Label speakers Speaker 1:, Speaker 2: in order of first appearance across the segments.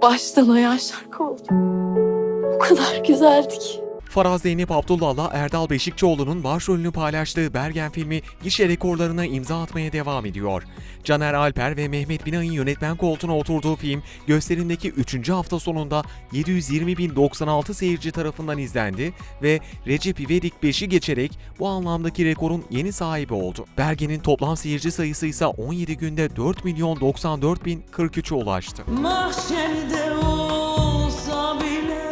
Speaker 1: baştan ayağa şarkı oldu. O kadar güzeldi ki.
Speaker 2: Faraz Zeynep Abdullah'la Erdal Beşikçioğlu'nun başrolünü paylaştığı Bergen filmi gişe rekorlarına imza atmaya devam ediyor. Caner Alper ve Mehmet Binay'ın yönetmen koltuğuna oturduğu film gösterimdeki 3. hafta sonunda 720.096 seyirci tarafından izlendi ve Recep İvedik 5'i geçerek bu anlamdaki rekorun yeni sahibi oldu. Bergen'in toplam seyirci sayısı ise 17 günde 4.094.043'e ulaştı.
Speaker 3: Mahşerde olsa bile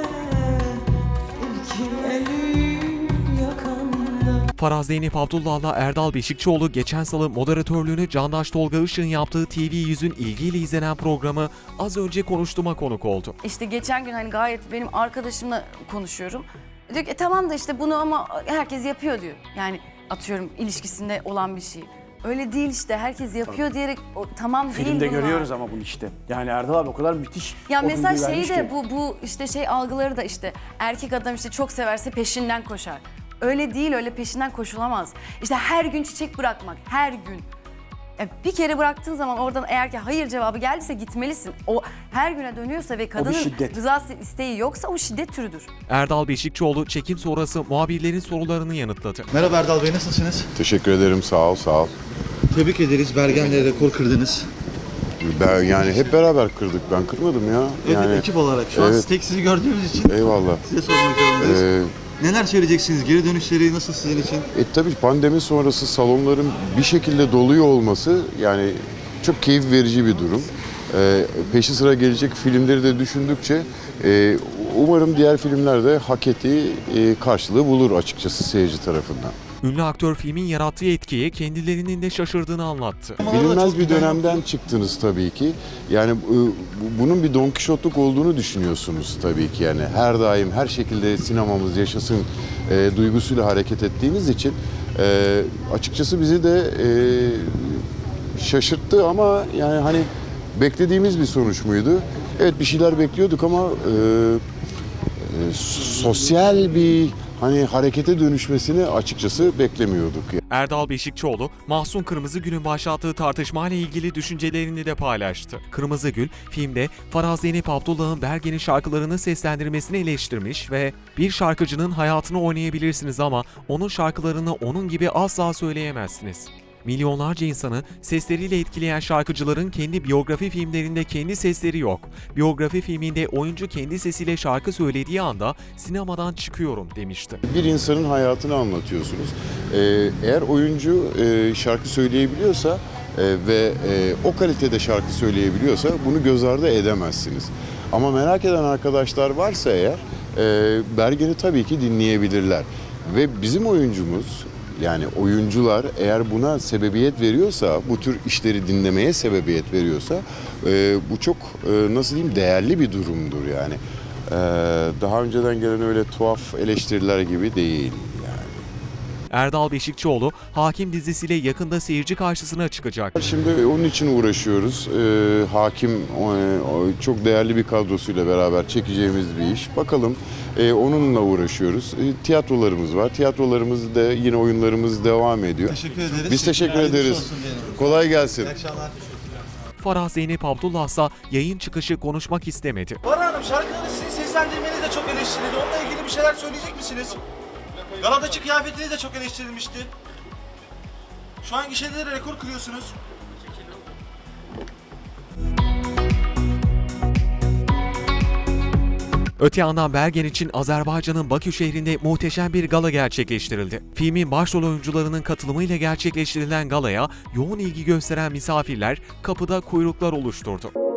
Speaker 2: Faraz Zeynep Abdullah'la Erdal Beşikçioğlu geçen salı moderatörlüğünü Candaş Tolga Işık'ın yaptığı TV100'ün ilgiyle izlenen programı Az Önce Konuştuğum'a konuk oldu.
Speaker 4: İşte geçen gün hani gayet benim arkadaşımla konuşuyorum. Diyor ki tamam da işte bunu ama herkes yapıyor diyor. Yani atıyorum ilişkisinde olan bir şey. Öyle değil işte herkes yapıyor diyerek tamam değil
Speaker 5: Filmde
Speaker 4: bunlar.
Speaker 5: görüyoruz ama bunu işte. Yani Erdal abi o kadar müthiş.
Speaker 4: Ya
Speaker 5: o
Speaker 4: mesela
Speaker 5: bilgiyi
Speaker 4: şey
Speaker 5: vermiş
Speaker 4: de
Speaker 5: ki.
Speaker 4: bu işte şey algıları da işte erkek adam işte çok severse peşinden koşar. Öyle değil, öyle peşinden koşulamaz. İşte her gün çiçek bırakmak, her gün. Bir kere bıraktığın zaman oradan eğer ki hayır cevabı geldiyse gitmelisin. O her güne dönüyorsa ve kadının
Speaker 5: şiddet.
Speaker 4: rızası isteği yoksa o şiddet türüdür.
Speaker 2: Erdal Beşikçioğlu çekim sonrası muhabirlerin sorularını yanıtladı.
Speaker 6: Merhaba Erdal Bey, nasılsınız?
Speaker 7: Teşekkür ederim, sağ ol, sağ ol.
Speaker 6: Tebrik ederiz, Bergen'le rekor kırdınız.
Speaker 7: Ben yani hep beraber kırdık, ben kırmadım ya. Yani,
Speaker 6: Ekip olarak şu an
Speaker 7: evet.
Speaker 6: tek sizi gördüğümüz için
Speaker 7: Eyvallah.
Speaker 6: size sormak zorundayız. Neler söyleyeceksiniz? Geri dönüşleri nasıl sizin için?
Speaker 7: Tabii pandemi sonrası salonların bir şekilde doluyor olması yani çok keyif verici bir durum. Peşi sıra gelecek filmleri de düşündükçe umarım diğer filmler de hak ettiği karşılığı bulur açıkçası seyirci tarafından.
Speaker 2: Ünlü aktör filmin yarattığı etkiye kendilerinin de şaşırdığını anlattı.
Speaker 7: Bilinmez bir dönemden çıktınız tabii ki. Yani bunun bir Don Kişotluk olduğunu düşünüyorsunuz tabii ki. Yani her daim her şekilde sinemamız yaşasın duygusuyla hareket ettiğiniz için açıkçası bizi de şaşırttı ama yani hani beklediğimiz bir sonuç muydu? Evet bir şeyler bekliyorduk ama sosyal bir hani harekete dönüşmesini açıkçası beklemiyorduk.
Speaker 2: Erdal Beşikçioğlu, Mahsun Kırmızıgül'ün başlattığı tartışmayla ilgili düşüncelerini de paylaştı. Kırmızıgül, filmde Faraz Zeynep Abdullah'ın Bergen'in şarkılarını seslendirmesini eleştirmiş ve bir şarkıcının hayatını oynayabilirsiniz ama onun şarkılarını onun gibi asla söyleyemezsiniz. Milyonlarca insanı sesleriyle etkileyen şarkıcıların kendi biyografi filmlerinde kendi sesleri yok. Biyografi filminde oyuncu kendi sesiyle şarkı söylediği anda sinemadan çıkıyorum demişti.
Speaker 7: Bir insanın hayatını anlatıyorsunuz. Eğer oyuncu şarkı söyleyebiliyorsa ve o kalitede şarkı söyleyebiliyorsa bunu göz ardı edemezsiniz. Ama merak eden arkadaşlar varsa eğer Bergen'i tabii ki dinleyebilirler. Ve bizim oyuncumuz yani oyuncular eğer buna sebebiyet veriyorsa, bu tür işleri dinlemeye sebebiyet veriyorsa bu çok nasıl diyeyim değerli bir durumdur yani. Daha önceden gelen öyle tuhaf eleştiriler gibi değil.
Speaker 2: Erdal Beşikçioğlu, Hakim dizisiyle yakında seyirci karşısına çıkacak.
Speaker 7: Şimdi onun için uğraşıyoruz. Hakim çok değerli bir kadrosuyla beraber çekeceğimiz bir iş. Bakalım onunla uğraşıyoruz. Tiyatrolarımız var. Tiyatrolarımız da yine oyunlarımız devam ediyor.
Speaker 6: Teşekkür ederiz.
Speaker 7: Biz teşekkür ederiz. Kolay gelsin.
Speaker 6: İyi akşamlar.
Speaker 2: Faraz Zeynep Abdullah ise yayın çıkışı konuşmak istemedi.
Speaker 8: Bana Hanım şarkıları sizin seslendirmeniz de çok eleştirildi. Onunla ilgili bir şeyler söyleyecek misiniz? Galadaki kıyafetiniz de çok eleştirilmişti. Şu an gişelere rekor kırıyorsunuz.
Speaker 2: Öte yandan Bergen için Azerbaycan'ın Bakü şehrinde muhteşem bir gala gerçekleştirildi. Filmin başrol oyuncularının katılımıyla gerçekleştirilen galaya yoğun ilgi gösteren misafirler kapıda kuyruklar oluşturdu.